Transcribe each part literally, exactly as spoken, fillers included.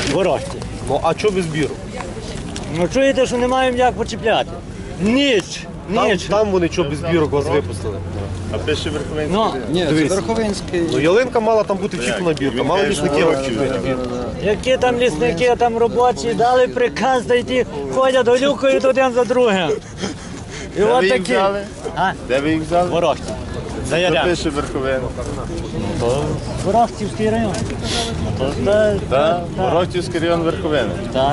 ворожці. Ну а чого без збіру? Ну чуєте, що не маємо як почіпляти? Ніч, Там, ніч. там вони чого без збірок вас випустили. А пише Верховенський. Ну, Ні, це Дивись. Верховинський. Ну ялинка мала там бути вчіплена бірка, мало лісники вчіплена бірка. які там лісники, там робочі, дали приказ дойти, ходять, голюкають один за другим. І Де ви от їх такі. взяли? А? Де ви їх взяли? Ворожці. За Що Ярем. пише Верховенський? То Ворожцівський район. То, та, Так, Ворохтівський район Верховенський. Так.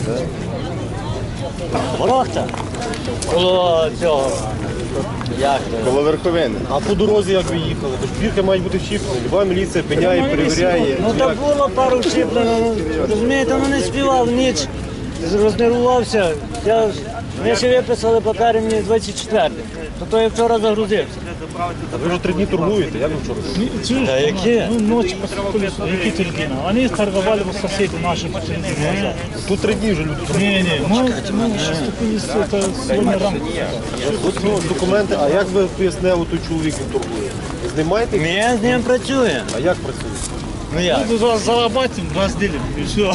Ворохта. Коло цього. Як то? Коло Верховини. А по дорозі як ви їхали? Тож бірки мають бути вчіплені. Люба міліція пиняє, перевіряє. Ну так було пару вчіплено, ну, розумієте, ну не співав ніч, рознервувався. Я, ми ще виписали папери мені двадцять четвертий, то то я вчора загрузився. Та ви вже три дні торгуєте, як ви вчора? Чуешь, Да які? ну, ночью поступили, какие турбины. Они торговали вот соседи наши. Тут три дні вже люди торгують. Не, не, мы, мы сейчас купили это сегодня рамку. От, ну, документи, а як ви пояснили, той чоловік він торгує? Знімаєте? Ми з ним працюємо. А як працює? Ну як? Ну, зарабатываем, разделим, и все.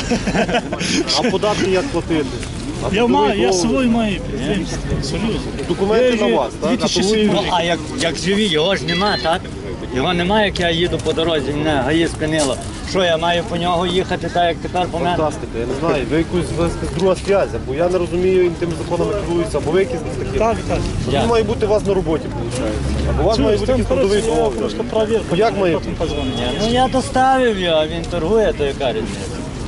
А податки як платити? А Я, трудовий маю, я договір? свой маю предприниматель, серьезно. Документи Я на вас, так? А дві тисячі то ви- сім. Ну а як, як живі, його ж нема, так? Його немає, як я їду по дорозі, мене гаї спинило. Що я маю по нього їхати так, як тепер по мене? Фантастика, я не знаю, ви якусь у вас якась друга зв'язь, бо я не розумію, як тими законами керуються, або ви якісь не такі. Так, так. Тоді має бути у вас на роботі, виходить. Або у вас має Чуешь, бути там, якийсь трудовий короче, я договір. просто проверку. Як має потом бути? позвоню. Ні, ну я доставив його, а він торгує, то яка різниця?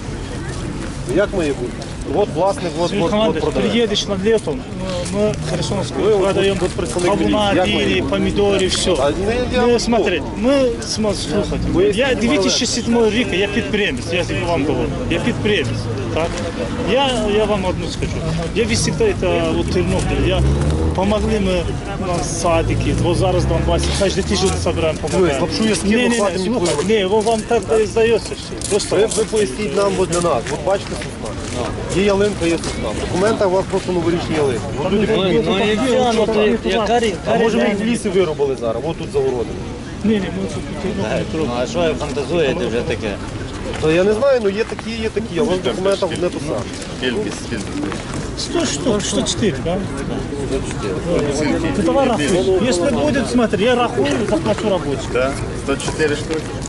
Як має бути? От власник, от, от, от Командир, продає. приедешь на летом, мы Херсонскую Вы вот продаем тут представник кавуна, милиции. Як дыни, ви? помидоры, все. А, ну, я Ну, вам смотри, ми смо- слухайте, Ви я знімали? дві тисячі сьомого рік, я підприємець, я вам говорю, я підприємець, так? Я, я вам одну скажу, я везде это вот Тернопіль, я помогли ми на садики, вот зараз Донбасі, кожен тиждень собираємо, помогаємо. лапшу я скину, Ні, ні, ні, хватить мені слухай, впливати. ні, во- вам так і здається все, просто. Ви, ви поясніть нам, от для нас. От бачите сосна. Є ялинка, є сосна. В документах у вас просто новорічні ялинки. От люди Ну, кажуть, ну і все, ну то яка рі- а яка може ви їх в різниця? лісі виробили зараз, от тут загородили. Ні, ні, ми тут Тернопіль Ну трохи. а що ви фантазуєте вже таке? То я не знаю, ну є такі, є такі, а у вас в документах не то саме. Кількість, кількість. сто штук, сто четыре, да? Ты давай рахуй. Если будет, смотри, я рахую, заплачу рабочим. Так, сто чотири штуки.